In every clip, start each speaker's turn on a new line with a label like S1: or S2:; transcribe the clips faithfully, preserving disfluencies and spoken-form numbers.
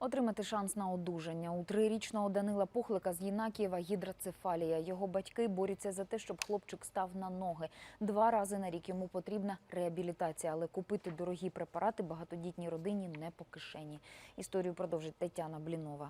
S1: Отримати шанс на одужання. У трирічного Данила Пухлика з Єнакієва гідроцефалія. Його батьки борються за те, щоб хлопчик став на ноги. Два рази на рік йому потрібна реабілітація, але купити дорогі препарати багатодітній родині не по кишені. Історію продовжить Тетяна Блінова.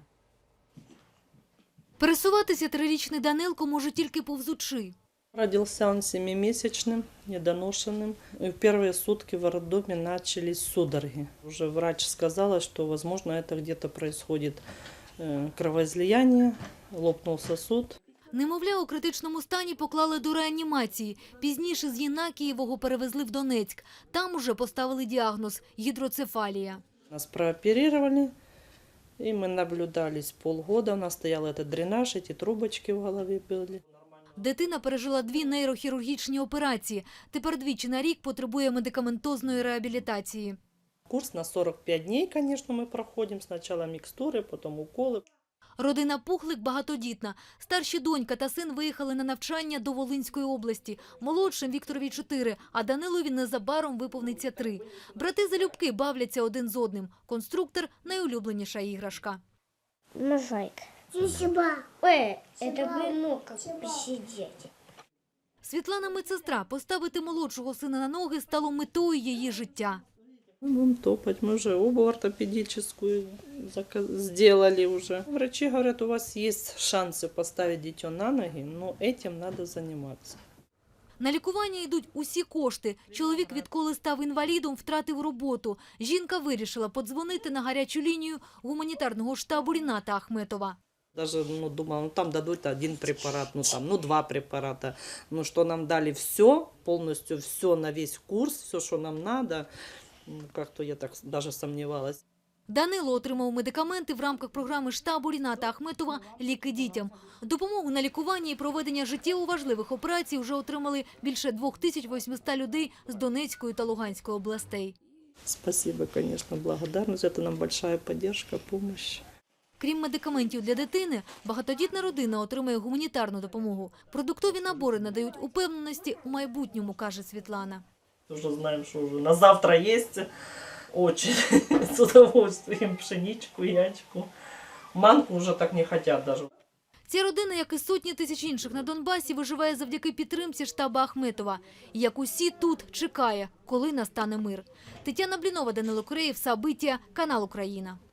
S2: Пересуватися трирічний Данилко може тільки повзучи.
S3: Родился он семимесячным, недоношенным. И в первые сутки в роддоме начались судороги. Уже врач сказала, что, возможно, это где-то происходит кровоизлияние, лопнул сосуд.
S2: Немовля у критичному стані поклали до реанімації. Пізніше з Єнакієвого перевезли в Донецьк. Там уже поставили діагноз – гідроцефалія.
S3: Нас прооперировали, и мы наблюдались полгода. У нас стоял этот дренаж, эти трубочки в голове были.
S2: Дитина пережила дві нейрохірургічні операції. Тепер двічі на рік потребує медикаментозної реабілітації.
S3: Курс на сорок пять дней, конечно, мы проходим. Сначала микстуры, потом уколы.
S2: Родина Пухлик багатодітна. Старші донька та син виїхали на навчання до Волинської області. Молодшим Вікторові чотири, а Данилові незабаром виповниться три. Брати залюбки бавляться один з одним. Конструктор – найулюбленіша іграшка.
S4: Мозаика. Ой, это бы, ну, как посидеть.
S2: Світлана медсестра. Поставити молодшого сина на ноги стало метою її життя.
S3: Будем топать. Мы уже обувь ортопедическую сделали уже. Врачи говорят, у вас есть шансы поставить дитё на ноги, но этим надо заниматься.
S2: На лікування йдуть усі кошти. Чоловік, відколи став інвалідом, втратив роботу. Жінка вирішила подзвонити на гарячу лінію гуманітарного штабу Ріната Ахметова.
S3: Даже ну, думала, ну там дадут один препарат, ну там, ну два препарата. Ну что нам дали все, полностью все на весь курс, все, что нам надо. Как-то я так даже сомневалась.
S2: Данило отримав медикаменти в рамках програми штабу Ріната Ахметова «Ліки дітям». Допомогу на лікування і проведення життєво важливих операцій вже отримали більше двох тисяч восьмисот людей з Донецької та Луганської областей.
S3: Спасибо, конечно, благодарность. Это нам большая поддержка, помощь.
S2: Крім медикаментів для дитини, багатодітна родина отримує гуманітарну допомогу. Продуктові набори надають упевненості у майбутньому, каже Світлана.
S3: Уже знаем, что уже на завтра есть. Очень с удовольствием пшеничку, ячку. Манку уже так не хотят даже.
S2: Ця родина, як і сотні тисяч інших на Донбасі, виживає завдяки підтримці штабу Ахметова. І як усі тут, чекає, коли настане мир. Тетяна Блінова, Данило Куреєв, Сабиття, канал Україна.